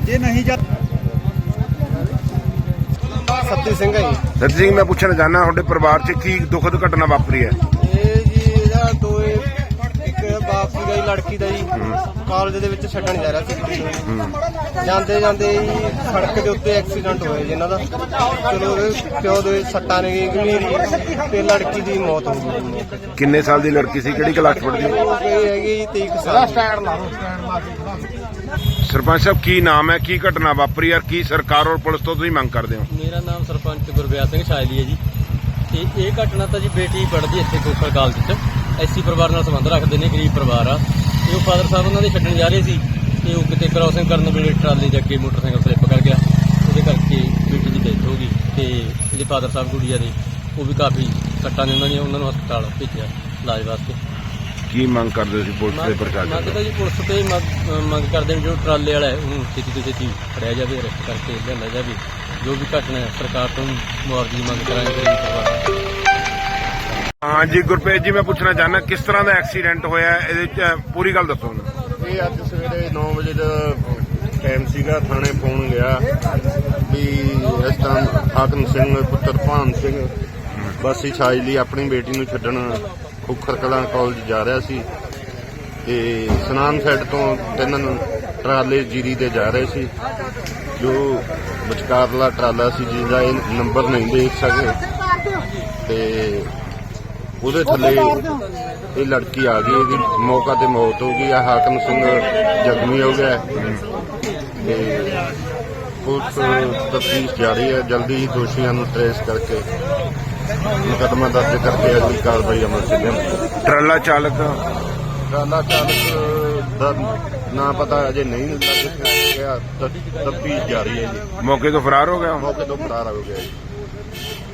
ਜੇ ਨਹੀਂ ਜਾ सत्ती सिंह है जी। सती सिंह, मैं पूछना चाहना ਤੁਹਾਡੇ ਪਰਿਵਾਰ 'ਚ ਕੀ ਦੁਖਦ ਘਟਨਾ ਵਾਪਰੀ ਹੈ? ਇਹ ਜੀ ਇਹਦਾ ਇੱਕ ਬਾਪ ਸੀਗਾ ਜੀ ਲੜਕੀ ਦਾ ਜੀ, ਕਾਲਜ ਦੇ ਵਿੱਚ ਛੱਡਣ ਜਾ ਰਿਹਾ ਸੀ ਕੁੜੀ ਨੂੰ। ਜਾਂਦੇ ਜਾਂਦੇ ਜੀ ਸੜਕ ਦੇ ਉੱਤੇ ਐਕਸੀਡੈਂਟ ਹੋਇਆ ਜੀ ਇਹਨਾਂ ਦਾ। ਚਲੋ ਉਹਦੇ ਪਿਓ ਦੇ ਸੱਟਾਂ ਨੇ ਗੰਭੀਰ ਤੇ ਲੜਕੀ ਦੀ ਮੌਤ ਹੋ ਗਈ। ਕਿੰਨੇ ਸਾਲ ਦੀ ਲੜਕੀ ਸੀ, ਕਿਹੜੀ ਕਲਾਸ ਪੜ੍ਹਦੀ? ਉਹ ਹੈਗੀ ਜੀ 23 ਸਾਲ ਦੀ। ਸਰਪੰਚ ਸਾਹਿਬ, ਕੀ ਨਾਮ ਹੈ, ਕੀ ਘਟਨਾ ਵਾਪਰੀ ਹੈ, ਕੀ ਸਰਕਾਰ ਔਰ ਪੁਲਿਸ ਤੋਂ ਤੁਸੀਂ ਮੰਗ ਕਰਦੇ ਹੋ? ਮੇਰਾ ਨਾਮ ਸਰਪੰਚ ਗੁਰਵਿਆਸ ਸਿੰਘ ਸ਼ਾਇਲੀ ਹੈ ਜੀ। ਤੇ ਇਹ ਘਟਨਾ ਤਾਂ ਜੀ ਬੇਟੀ ਪੜ੍ਹਦੀ ਇੱਥੇ ਖੋਖਰ ਕਾਲਜ 'ਚ, ਐਸੀ ਪਰਿਵਾਰ ਨਾਲ ਸੰਬੰਧ ਰੱਖਦੇ ਨੇ, ਗਰੀਬ ਪਰਿਵਾਰ ਆ। ਤੇ ਉਹ ਫਾਦਰ ਸਾਹਿਬ ਉਹਨਾਂ ਦੇ ਛੱਡਣ ਜਾ ਰਹੇ ਸੀ ਤੇ ਉਹ ਕਿਤੇ ਕ੍ਰਾਸਿੰਗ ਕਰਨ ਵੇਲੇ ਟਰਾਲੀ ਦੇ ਅੱਗੇ ਮੋਟਰਸਾਈਕਲ ਸਲਿੱਪ ਕਰ ਗਿਆ। ਉਹਦੇ ਕਰਕੇ ਬੇਟੀ ਦੀ ਡੈਥ ਹੋ ਗਈ ਤੇ ਇਹਦੇ ਫਾਦਰ ਸਾਹਿਬ ਗੁੜੀਆ ਦੇ ਉਹ ਵੀ ਕਾਫੀ ਸੱਟਾਂ ਨੇ, ਉਹਨਾਂ ਨੂੰ ਹਸਪਤਾਲ ਭੇਜਿਆ ਇਲਾਜ ਵਾਸਤੇ। ਕੀ ਮੰਗ ਕਰਦੇ ਸੀ ਪੁਲਿਸ ਦੇ ਪ੍ਰਸ਼ਾਸਨ ਮੰਗ ਤਾਂ ਜੀ ਪੁਲਿਸ ਤੇ ਮੰਗ ਕਰਦੇ ਨੇ, ਜੋ ਟਰਾਲੇ ਵਾਲਾ ਹੈ ਉਹਨੂੰ ਛੇਤੀ ਤੋਂ ਛੇਤੀ ਫੜਿਆ ਜਾਵੇ, ਅਰੈਸਟ ਕਰਕੇ ਲਿਆਂਦਾ ਜਾਵੇ। ਜੋ ਵੀ ਘਟਨਾ ਹੈ ਸਰਕਾਰ ਤੋਂ ਮੁਆਵਜ਼ੇ ਦੀ ਮੰਗ ਕਰਾਂਗੇ ਗਰੀਬ ਪਰਿਵਾਰ। ਹਾਂ ਜੀ ਗੁਰਪ੍ਰੀਤ ਜੀ, ਮੈਂ ਪੁੱਛਣਾ ਚਾਹੁੰਦਾ ਕਿਸ ਤਰ੍ਹਾਂ ਦਾ ਐਕਸੀਡੈਂਟ ਹੋਇਆ, ਇਹਦੇ 'ਚ ਪੂਰੀ ਗੱਲ ਦੱਸੋ। ਇਹ ਅੱਜ ਸਵੇਰੇ 9 ਵਜੇ ਦਾ ਟਾਈਮ ਸੀਗਾ। ਥਾਣੇ ਫੋਨ ਗਿਆ ਵੀ ਇਸ ਟਾਈਮ ਹਾਕਮ ਸਿੰਘ ਪੁੱਤਰ ਭਾਨ ਸਿੰਘ ਵਾਸੀ ਛਾਜਲੀ ਆਪਣੀ ਬੇਟੀ ਨੂੰ ਛੱਡਣ ਖੋਖਰ ਕਲਾਂ ਕਾਲਜ ਜਾ ਰਿਹਾ ਸੀ ਤੇ ਸਨਾਨ ਸਾਈਡ ਤੋਂ 3 ਟਰਾਲੇ ਜੀਰੀ ਦੇ ਜਾ ਰਹੇ ਸੀ। ਜੋ ਵਿਚਕਾਰਲਾ ਟਰਾਲਾ ਸੀ ਜਿਹਦਾ ਇਹ ਨੰਬਰ ਨਹੀਂ ਦੇਖ ਸਕੇ ਤੇ ਉਹਦੇ ਥੱਲੇ ਇਹ ਲੜਕੀ ਆ ਗਈ। ਇਹਦੀ ਮੌਕਾ ਤੇ ਮੌਤ ਹੋ ਗਈ। ਹਾਕਮ ਸਿੰਘ ਜ਼ਖਮੀ ਹੋ ਗਿਆ ਤੇ ਪੁਲਿਸ ਤਫਤੀਸ਼ ਜਾਰੀ ਹੈ। ਜਲਦੀ ਹੀ ਦੋਸ਼ੀਆਂ ਨੂੰ ਟ੍ਰੇਸ ਕਰਕੇ ਮੁਕੱਦਮਾ ਦਰਜ ਕਰਕੇ ਅਗਲੀ ਕਾਰਵਾਈ ਅਮਲ 'ਚ ਲਿਆਂਦੀ। ਟਰਾਲਾ ਚਾਲਕ ਦਾ ਨਾਂ ਪਤਾ ਅਜੇ ਨਹੀਂ ਲੱਗਿਆ। ਤਫਤੀਸ਼ ਜਾਰੀ ਹੈ ਜੀ। ਮੌਕੇ ਤੋਂ ਫਰਾਰ ਹੋ ਗਿਆ। ਮੌਕੇ ਤੋਂ ਫਰਾਰ ਹੋ ਗਿਆ ਜੀ।